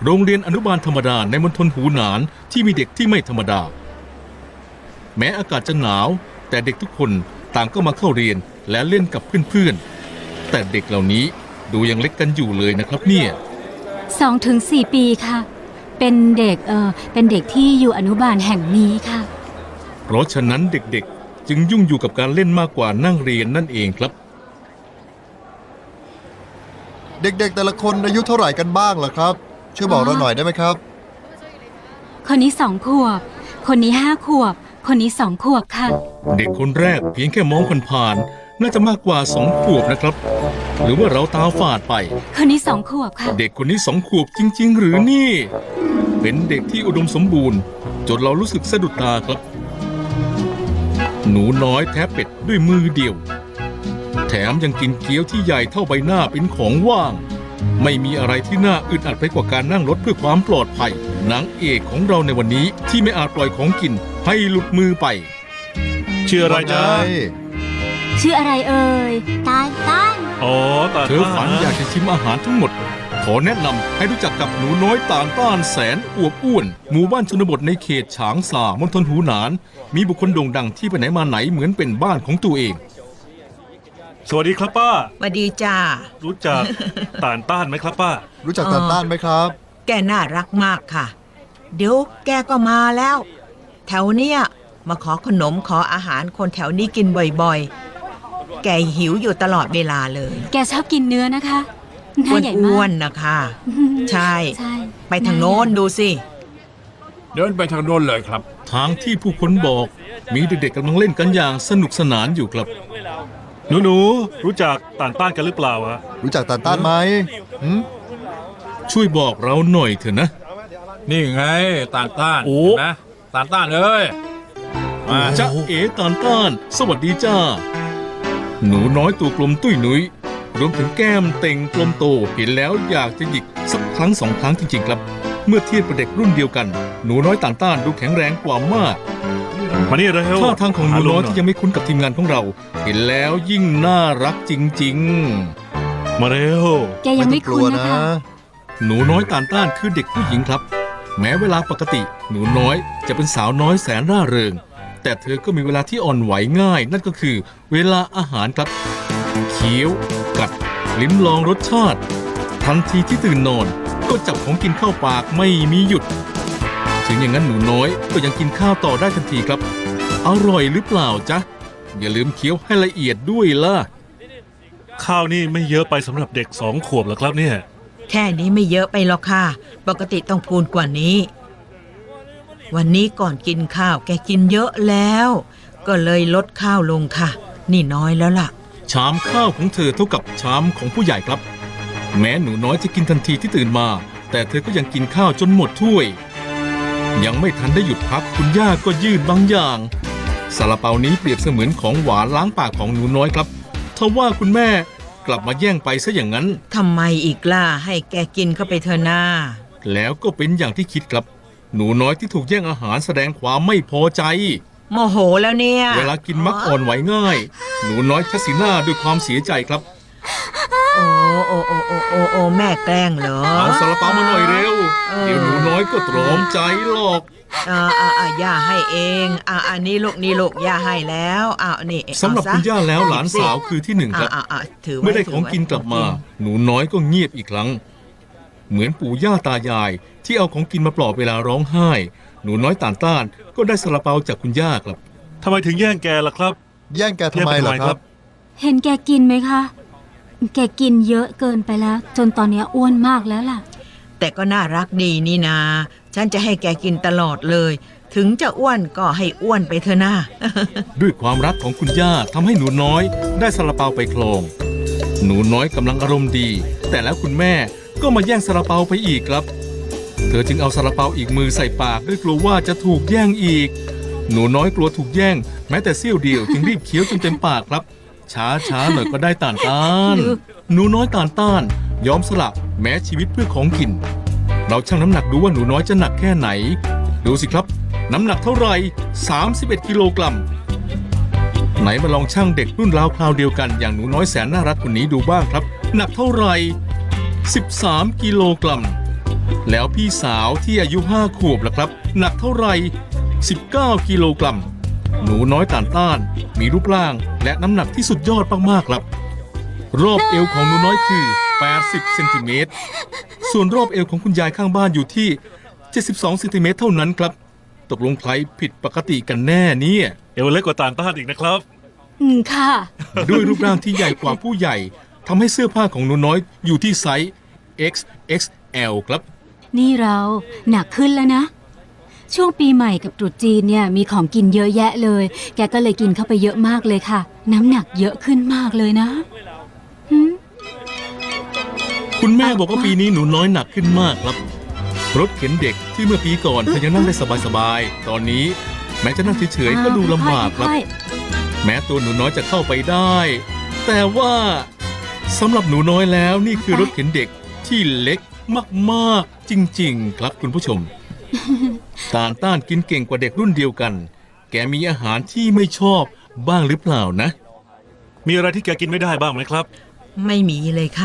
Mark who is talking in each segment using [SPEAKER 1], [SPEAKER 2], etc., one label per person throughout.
[SPEAKER 1] โรงเรียนอนุบาลธรรมดาในมณฑลหูหนานที่มีเด็กที่ไม่ธรรมดาแม้อากาศจะหนาวแต่เด็กทุกคนต่างก็มาเข้าเรียนและเล่นกับเพื่อนๆแต่เด็กเหล่านี้ดูยังเล็กกันอยู่เลยนะครับเนี่ย
[SPEAKER 2] 2-4 ปีค่ะเป็นเด็กที่อยู่อนุบาลแห่งนี้ค่ะ
[SPEAKER 1] เพราะฉะนั้นเด็กๆจึงยุ่งอยู่กับการเล่นมากกว่านั่งเรียนนั่นเองครับ
[SPEAKER 3] เด็กๆแต่ละคนอายุเท่าไหร่กันบ้างล่ะครับช่วยบอกเราหน่อยได้ไหมครับ
[SPEAKER 2] คนนี้2 ขวบคนนี้5 ขวบคนนี้2 ขวบค่ะ
[SPEAKER 1] เด็กคนแรกเพียงแค่มองผ่านๆน่าจะมากกว่า2 ขวบนะครับหรือว่าเราตาฝาดไป
[SPEAKER 2] คนนี้2 ขวบค่ะ
[SPEAKER 1] เด็กคนนี้2 ขวบจริงๆหรือนี่เป็นเด็กที่อุดมสมบูรณ์จนเรารู้สึกสะดุดตาครับหนูน้อยแทะเป็ดด้วยมือเดียวแถมยังกินเกี๊ยวที่ใหญ่เท่าใบหน้าเป็นของว่างไม่มีอะไรที่น่าอึดอัดไปกว่าการนั่งรถเพื่อความปลอดภัยนางเอกของเราในวันนี้ที่ไม่อาจปล่อยของกินให้หลุดมือไป
[SPEAKER 4] ชื่ออะไรจ๊ะ
[SPEAKER 2] ชื่ออะไรเอ่ยตาล
[SPEAKER 4] อ๋อตาล
[SPEAKER 1] เธอฝันอยากจะชิมอาหารทั้งหมดขอแนะนำให้รู้จักกับหนูน้อยต่างต้านแสนอวบอ้วนหมู่บ้านชนบทในเขตฉางซามณฑลหูหนานมีบุคคลโด่งดังที่ไปไหนมาไหนเหมือนเป็นบ้านของตัวเอง
[SPEAKER 4] สวัสดีครับป้า
[SPEAKER 5] สวัสดีจ้า
[SPEAKER 4] รู้จักต่านต้านไหมครับป้า
[SPEAKER 3] รู้จักต่านต้านไหมครับ
[SPEAKER 5] แกน่ารักมากค่ะเดี๋ยวแกก็มาแล้วแถวเนี้ยมาขอขนมขออาหารคนแถวนี้กินบ่อยๆแกหิวอยู่ตลอดเวลาเลย
[SPEAKER 2] แกชอบกินเนื้อนะคะ
[SPEAKER 5] อ้วนๆนะคะใช่ไปทางโน้นดูสิ
[SPEAKER 6] เดินไปทางโน้นเลยครับ
[SPEAKER 1] ทางที่ผู้คนบอกมีเด็กๆกำลังเล่นกันอย่างสนุกสนานอยู่ครับ
[SPEAKER 4] หนูรู้จักต่านต้านกันหรือเปล่าฮะ
[SPEAKER 3] รู้จักต่านต้านไหม
[SPEAKER 1] ช่วยบอกเราหน่อยเถอะนะ
[SPEAKER 6] นี่ไงต่านต้านนะต่านต้านเอ้ย
[SPEAKER 1] จ๊ะเอ๋ต่านต้านสวัสดีจ้าหนูน้อยตัวกลมตุ้ยนุ้ยรวมถึงแก้มเต่งกลมโตเห็นแล้วอยากจะหยิกสักครั้ง2 ครั้งจริงๆครับเมื่อเทียบกับเด็กรุ่นเดียวกันหนูน้อยต่านต้านดูแข็งแรงกว่ามาก
[SPEAKER 4] มานี่เร็ว
[SPEAKER 1] ท่าทางของหนูน้อยที่ยังไม่คุ้นกับทีมงานของเราเห็นแล้วยิ่งน่ารักจริง
[SPEAKER 4] ๆมาเร็ว
[SPEAKER 2] แกยังไม่คุ้นนะคะ
[SPEAKER 1] หนูน้อยต่านต้านคือเด็กผู้หญิงครับแม้เวลาปกติหนูน้อยจะเป็นสาวน้อยแสนร่าเริงแต่เธอก็มีเวลาที่อ่อนไหวง่ายนั่นก็คือเวลาอาหารครับเคี้ยวกัดลิ้มลองรสชาติทันทีที่ตื่นนอนก็จับของกินเข้าปากไม่มีหยุดถึงอย่างนั้นหนูน้อยก็ยังกินข้าวต่อได้ทันทีครับอร่อยหรือเปล่าจ๊ะอย่าลืมเคี้ยวให้ละเอียดด้วยล่ะ
[SPEAKER 4] ข้าวนี่ไม่เยอะไปสำหรับเด็ก2 ขวบหรอครับเนี่ย
[SPEAKER 5] แค่นี้ไม่เยอะไปหรอกค่ะปกติต้องพูนกว่านี้วันนี้ก่อนกินข้าวแกกินเยอะแล้วก็เลยลดข้าวลงค่ะนี่น้อยแล้วล่ะ
[SPEAKER 1] ชามข้าวของเธอเท่ากับชามของผู้ใหญ่ครับแม้หนูน้อยจะกินทันทีที่ตื่นมาแต่เธอก็ยังกินข้าวจนหมดถ้วยยังไม่ทันได้หยุดพักคุณย่าก็ยื่นบางอย่างซาลาเปานี้เปรียบเสมือนของหวานล้างปากของหนูน้อยครับทว่าคุณแม่กลับมาแย่งไปซะอย่างนั้น
[SPEAKER 5] ทำไมอีกล่ะให้แกกินเข้าไปเถอะนา
[SPEAKER 1] แล้วก็เป็นอย่างที่คิดครับหนูน้อยที่ถูกแย่งอาหารแสดงความไม่พอใจ
[SPEAKER 5] โมโหแล้วเนี่ย
[SPEAKER 1] เวลากินมักอ่อนไหวง่ายหนูน้อยชักสีหน้าด้วยความเสียใจครับ
[SPEAKER 5] โอ้แม่แกล้งเหรอ
[SPEAKER 1] เอาซาลาเปามาหน่อยเร็วเดี๋ยวหนูน้อยก็ตรอมใจหรอก
[SPEAKER 5] ย่าให้เองอันนี้ลูกย่าให้แล้วนี่
[SPEAKER 1] สำหรับคุณย่าแล้วหลานสาวคือที่1ครับเมื่อได้ของกินกลับมาหนูน้อยก็เงียบอีกครั้งเหมือนปู่ย่าตายายที่เอาของกินมาปลอบเวลาร้องไห้หนูน้อยต่านต้านก็ได้ซาลาเปาจากคุณย่าครับ
[SPEAKER 4] ทำไมถึงแย่งแกล่ะครับ
[SPEAKER 3] แย่งแกทำไมล่ะครับ
[SPEAKER 2] เห็นแกกินไหมคะแกกินเยอะเกินไปแล้วจนตอนนี้อ้วนมากแล้วล่ะ
[SPEAKER 5] แต่ก็น่ารักดีนี่นาฉันจะให้แกกินตลอดเลยถึงจะอ้วนก็ให้อ้วนไปเถอะนะ
[SPEAKER 1] ด้วยความรักของคุณย่าทำให้หนูน้อยได้ซาลาเปาไปครองหนูน้อยกำลังอารมณ์ดีแต่แล้วคุณแม่ก็มาแย่งซาลาเปาไปอีกครับเธอจึงเอาซาลาเปาอีกมือใส่ปากด้วยกลัวว่าจะถูกแย่งอีกหนูน้อยกลัวถูกแย่งแม้แต่เสี้ยวเดียวจึงรีบเคี้ยวจนเต็มปากครับช้าหน่อยก็ได้ต่านต้านหนูน้อยต่านต้านยอมสละแม้ชีวิตเพื่อของกินเราชั่งน้ำหนักดูว่าหนูน้อยจะหนักแค่ไหนดูสิครับน้ำหนักเท่าไหร่31 กิโลกรัมไหนมาลองชั่งเด็กรุ่นราวคราวเดียวกันอย่างหนูน้อยแสนน่ารักคนนี้ดูบ้างครับหนักเท่าไหร่13 กิโลกรัมแล้วพี่สาวที่อายุ5 ขวบล่ะครับ หนักเท่าไหร่19 กิโลกรัม หนูน้อยต่านต้านมีรูปร่างและน้ำหนักที่สุดยอดมากๆครับ รอบเอวของหนูน้อยคือ80 เซนติเมตร ส่วนรอบเอวของคุณยายข้างบ้านอยู่ที่72 เซนติเมตรเท่านั้นครับ ตกลงใครผิดปกติกันแน่เนี่ย
[SPEAKER 4] เอวเล็กกว่าต่างต้านอีกนะครับ
[SPEAKER 2] ค่ะ
[SPEAKER 1] ด้วยรูปร่างที่ใหญ่กว่าผู้ใหญ่ทำให้เสื้อผ้าของหนูน้อยอยู่ที่ไซส์ XXL ครับ
[SPEAKER 2] นี่เราหนักขึ้นแล้วนะ ช่วงปีใหม่กับตรุษจีนเนี่ยมีของกินเยอะแยะเลย แกก็เลยกินเข้าไปเยอะมากเลยค่ะ น้ำหนักเยอะขึ้นมากเลยนะหืม
[SPEAKER 1] คุณแม่บอกว่าปีนี้หนูน้อยหนักขึ้นมากครับ รถเข็นเด็กที่เมื่อปีก่อนเธอยังนั่งได้สบายๆ ตอนนี้แม้จะนั่งเฉยๆก็ดูลำบากครับ
[SPEAKER 2] ค่อย
[SPEAKER 1] แม้ตัวหนูน้อยจะเข้าไปได้ แต่ว่าสำหรับหนูน้อยแล้วนี่คือรถเข็นเด็กที่เล็กมากๆจริงๆ ครับคุณผู้ชม ต่านต้านกินเก่งกว่าเด็กรุ่นเดียวกัน แกมีอาหารที่ไม่ชอบบ้างหรือเปล่านะ
[SPEAKER 4] มีอะไรที่แกกินไม่ได้บ้างไหมครับ
[SPEAKER 5] ไม่มีเลยค่ะ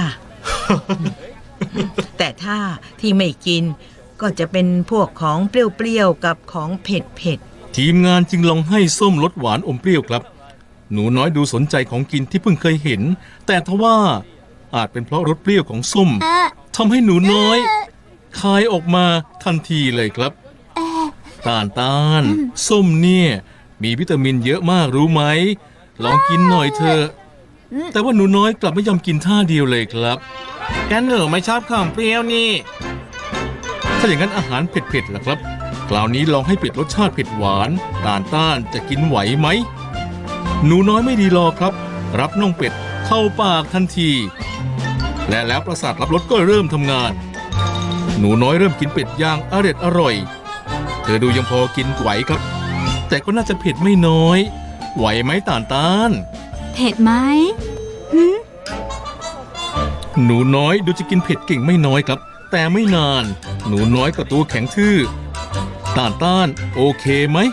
[SPEAKER 5] แต่ถ้าที่ไม่กินก็จะเป็นพวกของเปรี้ยวๆกับของเผ็ด
[SPEAKER 1] ทีมงานจึงลองให้ส้มรสหวานอมเปรี้ยวครับ หนูน้อยดูสนใจของกินที่เพิ่งเคยเห็น แต่ทว่าอาจเป็นเพราะรสเปรี้ยวของส้มทำให้หนูน้อยคายออกมาทันทีเลยครับต้านส้มเนี่ยมีวิตามินเยอะมากรู้ไหม ลองกินหน่อยเถอะแต่ว่าหนูน้อยกลับไม่ยอมกินท่าเดียวเลยครับแกหนูไม่ชอบของเปรี้ยวนี่ ถ้าอย่างนั้นอาหารเผ็ดๆล่ะครับคราวนี้ลองให้เปลี่ยนรสชาติเผ็ดหวานต้านจะกินไหวไหม หนูน้อยไม่ดีรอครับ รับน่องเป็ดเข้าปากทันที และแล้วประสาทรับรสก็เริ่มทำงาน หนูน้อยเริ่มกินเป็ดย่างอร่อย เธอดูยังพอกินไหวครับ แต่ก็น่าจะเผ็ดไม่น้อย ไหวไหมต้าน
[SPEAKER 2] ๆ เผ็ดไหม
[SPEAKER 1] หนูน้อยดูจะกินเผ็ดเก่งไม่น้อยครับ แต่ไม่นาน หนูน้อยก็ตัวแข็งทื่อต้านโอเคไหม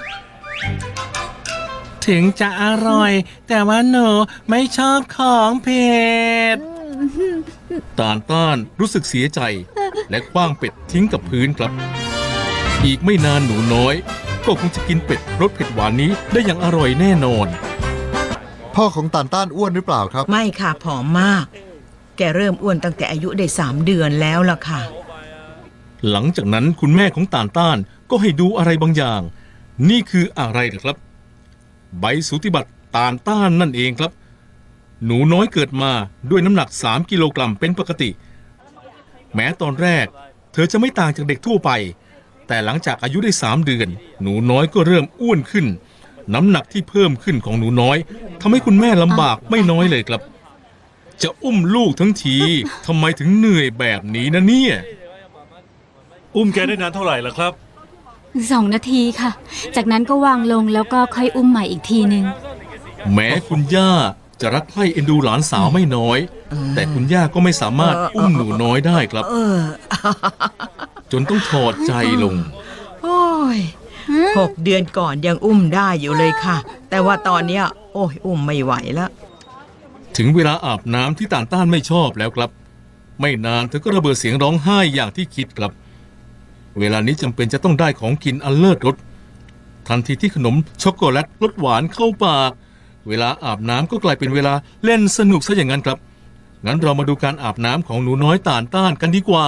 [SPEAKER 1] ถึงจะอร่อย แต่ว่าหนูไม่ชอบของเผ็ดต้านรู้สึกเสียใจ และคว้างเป็ดทิ้งกับพื้นครับ อีกไม่นานหนูน้อย ก็คงจะกินเป็ดรสเผ็ดหวานนี้ได้อย่างอร่อยแน่นอน
[SPEAKER 3] พ่อของต่านต้านอ้วนหรือเปล่าครับ
[SPEAKER 5] ๆ ไม่ค่ะผอมมาก แกเริ่มอ้วนตั้งแต่อายุได้3 เดือนแล้วล่ะค่ะ
[SPEAKER 1] หลังจากนั้นคุณแม่ของต้านก็ให้ดูอะไรบางอย่าง นี่คืออะไรเหรอครับ ใบสูติบัตรต้านนั่นเองครับ หนูน้อยเกิดมาด้วยน้ำหนัก3 กิโลกรัมเป็นปกติ แม้ตอนแรก เธอจะไม่ต่างจากเด็กทั่วไป แต่หลังจากอายุได้3 เดือน หนูน้อยก็เริ่มอ้วนขึ้น น้ำหนักที่เพิ่มขึ้นของหนูน้อยทำให้คุณแม่ลำบากไม่น้อยเลยครับ จะอุ้มลูกทั้งทีทำไมถึงเหนื่อยแบบนี้นะเนี่ย
[SPEAKER 4] อุ้มแกได้นานเท่าไหร่ล่ะครับ
[SPEAKER 2] 2 นาทีค่ะ จากนั้นก็วางลงแล้วก็ค่อยอุ้มใหม่อีกทีหนึ่ง
[SPEAKER 1] แม้คุณย่าจะรักใคร่เอ็นดูหลานสาวไม่น้อย แต่คุณย่าก็ไม่สามารถอุ้มหนูน้อยได้ครับ จนต้องถอดใจลง
[SPEAKER 5] โอ้ย6 เดือนก่อนยังอุ้มได้อยู่เลยค่ะ แต่ว่าตอนเนี้ยโอ้ยอุ้มไม่ไหวแล้ว
[SPEAKER 1] ถึงเวลาอาบน้ำที่ต้านไม่ชอบแล้วครับ ไม่นานเธอก็ระเบิดเสียงร้องไห้อย่างที่คิดครับ เวลานี้จำเป็นจะต้องได้ของกินอันเลิศรสทันทีที่ขนมช็อกโกแลตรสหวานเข้าปาก เวลาอาบน้ำก็กลายเป็นเวลาเล่นสนุกซะอย่างนั้นครับ งั้นเรามาดูการอาบน้ำของหนูน้อยต้านกันดีกว่า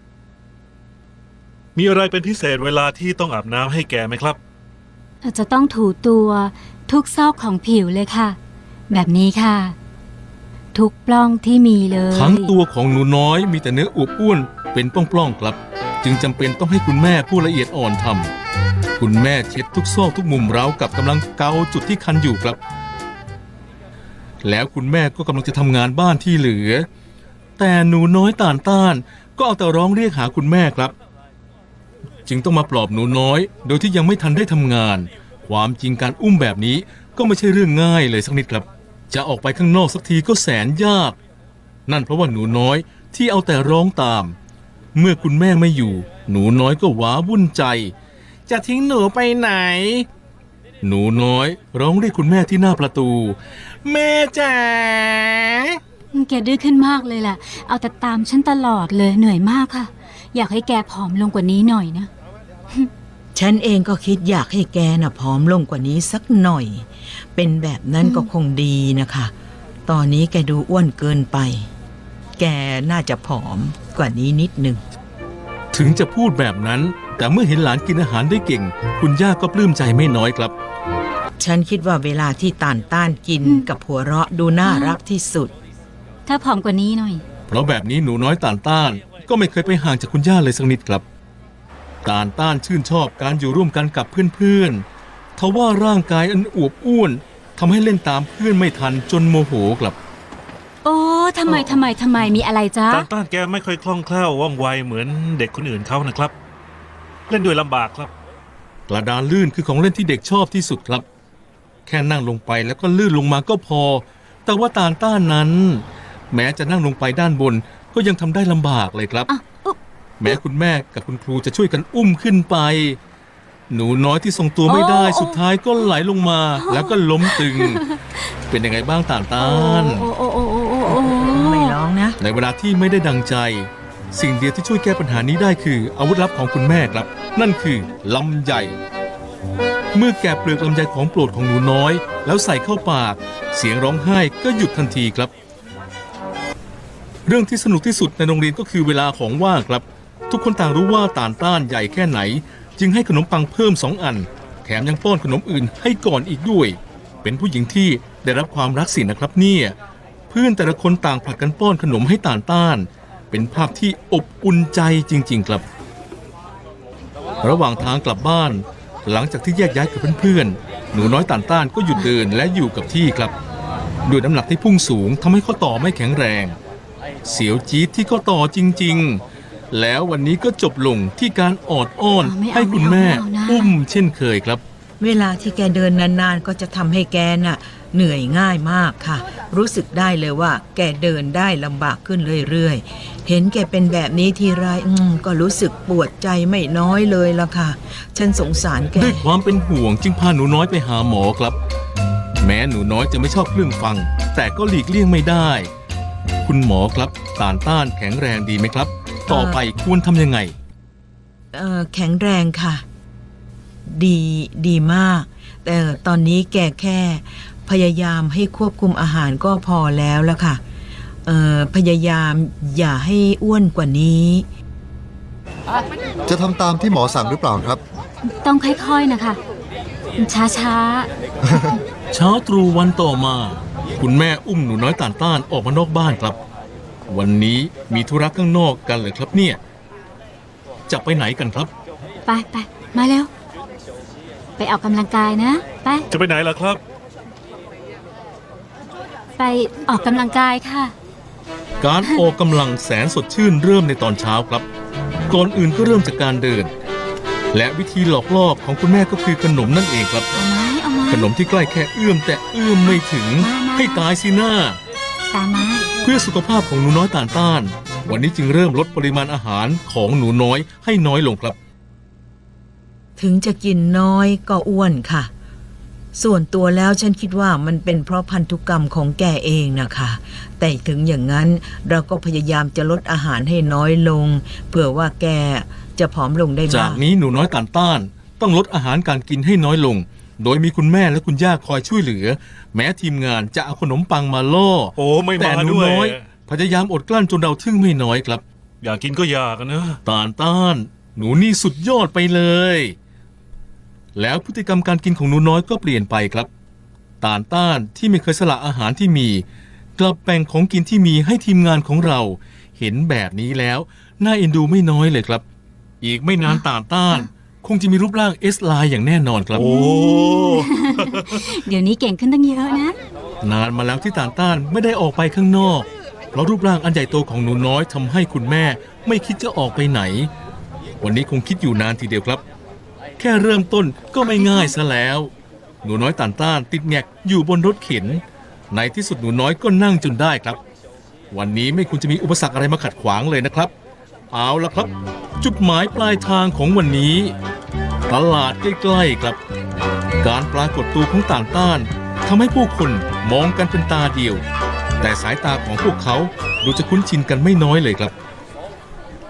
[SPEAKER 4] มีอะไรเป็นพิเศษเวลาที่ต้องอาบน้ำให้แกไหมครับ
[SPEAKER 2] อาจจะต้องถูตัวทุกซอกของผิวเลยค่ะ แบบนี้ค่ะ ทุกปล้องที่มีเลย
[SPEAKER 1] ทั้งตัวของหนูน้อยมีแต่เนื้ออวบอ้วนเป็นปล้องๆครับ จึงจำเป็นต้องให้คุณแม่ผู้ละเอียดอ่อนทำคุณแม่เช็ดทุกซอกทุกมุมราวกับกำลังเกาจุดที่คันอยู่ครับ แล้วคุณแม่ก็กำลังจะทำงานบ้านที่เหลือ แต่หนูน้อยต้านก็เอาแต่ร้องเรียกหาคุณแม่ครับ จึงต้องมาปลอบหนูน้อย โดยที่ยังไม่ทันได้ทำงาน ความจริงการอุ้มแบบนี้ก็ไม่ใช่เรื่องง่ายเลยสักนิดครับ จะออกไปข้างนอกสักทีก็แสนยาก นั่นเพราะว่าหนูน้อยที่เอาแต่ร้องตาม เมื่อคุณแม่ไม่อยู่ หนูน้อยก็ว้าวุ่นใจ จะทิ้งหนูไปไหน หนูน้อยร้องเรียกคุณแม่ที่หน้าประตู แม่จ๋า
[SPEAKER 2] แกดื้อขึ้นมากเลยล่ะ เอาแต่ตามฉันตลอดเลยเหนื่อยมากค่ะอยากให้แกผอมลงกว่านี้หน่อยนะ
[SPEAKER 5] ฉันเองก็คิดอยากให้แกน่ะผอมลงกว่านี้สักหน่อย เป็นแบบนั้นก็คงดีนะคะ ตอนนี้แกดูอ้วนเกินไป แกน่าจะผอมกว่านี้นิดหนึ่ง
[SPEAKER 1] ถึงจะพูดแบบนั้น แต่เมื่อเห็นหลานกินอาหารได้เก่ง คุณย่าก็ปลื้มใจไม่น้อยครับ
[SPEAKER 5] ฉันคิดว่าเวลาที่ต่านต้านกินกับหัวเราะดูน่ารักที่สุด
[SPEAKER 2] ถ้าผอมกว่านี้หน่อย
[SPEAKER 1] เพราะแบบนี้หนูน้อยต่านต้านก็ไม่เคยไปห่างจากคุณย่าเลยสักนิดครับต่านต้านชื่นชอบการอยู่ร่วมกันกับเพื่อนๆทว่าร่างกายอันอวบอ้วนทำให้เล่นตามเพื่อนไม่ทันจนโมโหครับ
[SPEAKER 2] โอ้ทำไมมีอะไรจ๊ะ
[SPEAKER 4] ต้านแกไม่ค่อยคล่องแคล่วว่องไวเหมือนเด็กคนอื่นเขานะครับ เล่นด้วยลำบากครับ
[SPEAKER 1] กระดานลื่นคือของเล่นที่เด็กชอบที่สุดครับ แค่นั่งลงไปแล้วก็ลื่นลงมาก็พอ แต่ว่าต่านต้านนั้น แม้จะนั่งลงไปด้านบนก็ยังทำได้ลำบากเลยครับ
[SPEAKER 2] อ่ะอุ๊บ
[SPEAKER 1] แม้คุณแม่กับคุณครูจะช่วยกันอุ้มขึ้นไป หนูน้อยที่ทรงตัวไม่ได้สุดท้ายก็ไหลลงมาแล้วก็ล้มตึง เป็นยังไงบ้างต่านต้าน
[SPEAKER 2] โอ้
[SPEAKER 5] ไม่ร้องนะ
[SPEAKER 1] ในเวลาที่ไม่ได้ดังใจ สิ่งเดียวที่ช่วยแก้ปัญหานี้ได้คืออาวุธลับของคุณแม่ครับ นั่นคือลำไยเมื่อแกะเปลือกลำไยของโปรดของหนูน้อย แล้วใส่เข้าปาก เสียงร้องไห้ก็หยุดทันทีครับ เรื่องที่สนุกที่สุดในโรงเรียนก็คือเวลาของว่างครับ ทุกคนต่างรู้ว่าต่านต้านใหญ่แค่ไหน จึงให้ขนมปังเพิ่ม2 อัน แถมยังป้อนขนมอื่นให้ก่อนอีกด้วย เป็นผู้หญิงที่ได้รับความรักสินะครับเนี่ยเพื่อนแต่ละคนต่างผลัดกันป้อนขนมให้ต่านต้าน เป็นภาพที่อบอุ่นใจจริงๆครับ ระหว่างทางกลับบ้าน หลังจากที่แยกย้ายกับเพื่อนๆหนูน้อยต่านต้านก็หยุดเดินและอยู่กับที่ครับด้วยน้ำหนักที่พุ่งสูงทำให้ข้อต่อไม่แข็งแรง เสียวจี๊ดที่ข้อต่อจริงๆ แล้ววันนี้ก็จบลงที่การออดอ้อนให้คุณแม่อุ้มเช่นเคยครับ
[SPEAKER 5] เวลาที่แกเดินนานๆก็จะทำให้แกน่ะเหนื่อยง่ายมากค่ะ รู้สึกได้เลยว่าแกเดินได้ลำบากขึ้นเรื่อยๆ เห็นแกเป็นแบบนี้ทีไรก็รู้สึกปวดใจไม่น้อยเลยล่ะค่ะ ฉันสงสารแก
[SPEAKER 1] ด้วยความเป็นห่วงจึงพาหนูน้อยไปหาหมอครับ แม้หนูน้อยจะไม่ชอบเครื่องฟัง แต่ก็หลีกเลี่ยงไม่ได้ คุณหมอครับต่านต้านแข็งแรงดีไหมครับ ต่อไปควรทำยังไง
[SPEAKER 5] แข็งแรงค่ะ ดีมาก แต่ตอนนี้แกแค่พยายามให้ควบคุมอาหารก็พอแล้วละค่ะพยายามอย่าให้อ้วนกว่านี้
[SPEAKER 3] จะทำตามที่หมอสั่งหรือเปล่าครับ
[SPEAKER 2] ต้องค่อยๆนะคะ ช้า
[SPEAKER 1] เช้าตรู่วันต่อมา คุณแม่อุ้มหนูน้อยต่านต้านออกมานอกบ้านครับ วันนี้มีธุระข้างนอกกันเลยครับเนี่ยจะไปไหนกันครับ
[SPEAKER 2] ๆไปมาเร็ว ไปออกกำลังกายนะ
[SPEAKER 4] จะไปไหนล่ะครับ
[SPEAKER 2] ไปออกกำลังกายค่ะ
[SPEAKER 1] การออกกำลังแสนสดชื่นเริ่มในตอนเช้าครับ ก่อนอื่นก็เริ่มจากการเดิน และวิธีหลอกล่อของคุณแม่ก็คือขนมนั่นเองครับ
[SPEAKER 2] เอาไหม
[SPEAKER 1] ขนมที่ใกล้แค่เอื้อมแต่เอื้อมไม่ถึง ให้ตายสิหน้า
[SPEAKER 2] ตามมา
[SPEAKER 1] เพื่อสุขภาพของหนูน้อยต่านต้าน วันนี้จึงเริ่มลดปริมาณอาหารของหนูน้อยให้น้อยลงครับ
[SPEAKER 5] ถึงจะกินน้อยก็อ้วนค่ะ ส่วนตัวแล้วฉันคิดว่ามันเป็นเพราะพันธุกรรมของแกเองนะคะ แต่ถึงอย่างนั้นเราก็พยายามจะลดอาหารให้น้อยลง เผื่อว่าแกจะผอมลงได้
[SPEAKER 1] จา
[SPEAKER 5] บ้าก ง
[SPEAKER 1] นี้หนูน้อยต่านต้าน ต้องลดอาหารการกินให้น้อยลง โดยมีคุณแม่และคุณย่าคอยช่วยเหลือ แม้ทีมงานจะเอาขนมปังมาล่อ
[SPEAKER 4] โอ้ไม่
[SPEAKER 1] แต่
[SPEAKER 4] มา
[SPEAKER 1] หนู
[SPEAKER 4] ด้วย
[SPEAKER 1] น้อยพยายามอดกลั้นจนเราทึ่งไม่น้อยครับ
[SPEAKER 4] อยากกินก็อยากนะ
[SPEAKER 1] ต่านต้าน หนูนี่สุดยอดไปเลย แล้วพฤติกรรมการกินของหนูน้อยก็เปลี่ยนไปครับ ต่านต้านที่ไม่เคยสละอาหารที่มี กลับแบ่งของกินที่มีให้ทีมงานของเรา เห็นแบบนี้แล้วน่าเอ็นดูไม่น้อยเลยครับ อีกไม่นานต่านต้าน คงจะมีรูปร่างเอสไลน์อย่างแน่นอนครับ
[SPEAKER 4] โอ้
[SPEAKER 2] เดี๋ยวนี้เก่งขึ้นตั้งเยอะนะ
[SPEAKER 1] นานมาแล้วที่ต่านต้านไม่ได้ออกไปข้างนอก เพราะรูปร่างอันใหญ่โตของหนูน้อยทำให้คุณแม่ไม่คิดจะออกไปไหน วันนี้คงคิดอยู่นานทีเดียวครับ แค่เริ่มต้นก็ไม่ง่ายซะแล้ว หนูน้อยต่านต้านติดแงกอยู่บนรถเข็น ในที่สุดหนูน้อยก็นั่งจนได้ครับ วันนี้ไม่ควรจะมีอุปสรรคอะไรมาขัดขวางเลยนะครับ เอาละครับ จุดหมายปลายทางของวันนี้ ตลาดใกล้ๆครับ การปรากฏตัวของต่างต้านทำให้ผู้คนมองกันเป็นตาเดียว แต่สายตาของพวกเขาดูจะคุ้นชินกันไม่น้อยเลยครับ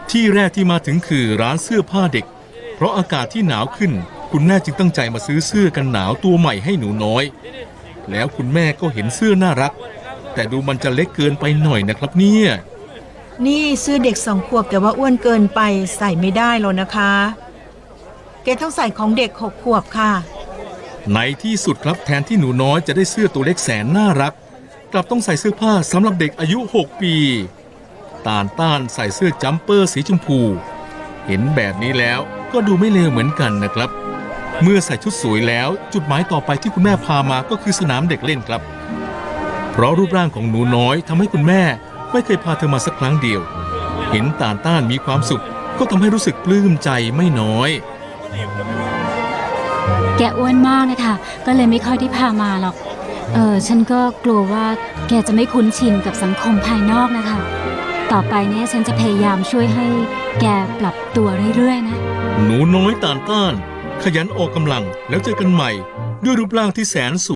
[SPEAKER 1] ที่แรกที่มาถึงคือร้านเสื้อผ้าเด็ก เพราะอากาศที่หนาวขึ้น คุณแม่จึงตั้งใจมาซื้อเสื้อกันหนาวตัวใหม่ให้หนูน้อย แล้วคุณแม่ก็เห็นเสื้อน่ารัก แต่ดูมันจะเล็กเกินไปหน่อยนะครับเนี่ย
[SPEAKER 5] นี่เสื้อเด็ก2 ขวบแต่ว่าอ้วนเกินไปใส่ไม่ได้หรอกนะคะ แกต้องใส่ของเด็ก6 ขวบค่ะ
[SPEAKER 1] ในที่สุดครับแทนที่หนูน้อยจะได้เสื้อตัวเล็กแสนน่ารัก กลับต้องใส่เสื้อผ้าสำหรับเด็กอายุ 6 ปีตานต้านใส่เสื้อจัมเปอร์สีชมพู เห็นแบบนี้แล้วก็ดูไม่เลวเหมือนกันนะครับ เมื่อใส่ชุดสวยแล้วจุดหมายต่อไปที่คุณแม่พามาก็คือสนามเด็กเล่นครับ เพราะรูปร่างของหนูน้อยทำให้คุณแม่ไม่เคยพาเธอมาสักครั้งเดียว เห็นตานต้านมีความสุขก็ทำให้รู้สึกปลื้มใจไม่น้อย
[SPEAKER 2] แกอ้วนมากนะคะก็เลยไม่ค่อยได้พามาหรอก ฉันก็กลัวว่าแกจะไม่คุ้นชินกับสังคมภายนอกนะคะ ต่อไปเนี่ยฉันจะพยายามช่วยให้แกปรับตัวเรื่อยๆนะ
[SPEAKER 1] หนูน้อยตานต้าน ขยันออกกำลังแล้วเจอกันใหม่ ด้วยรูปร่างที่แสนสวย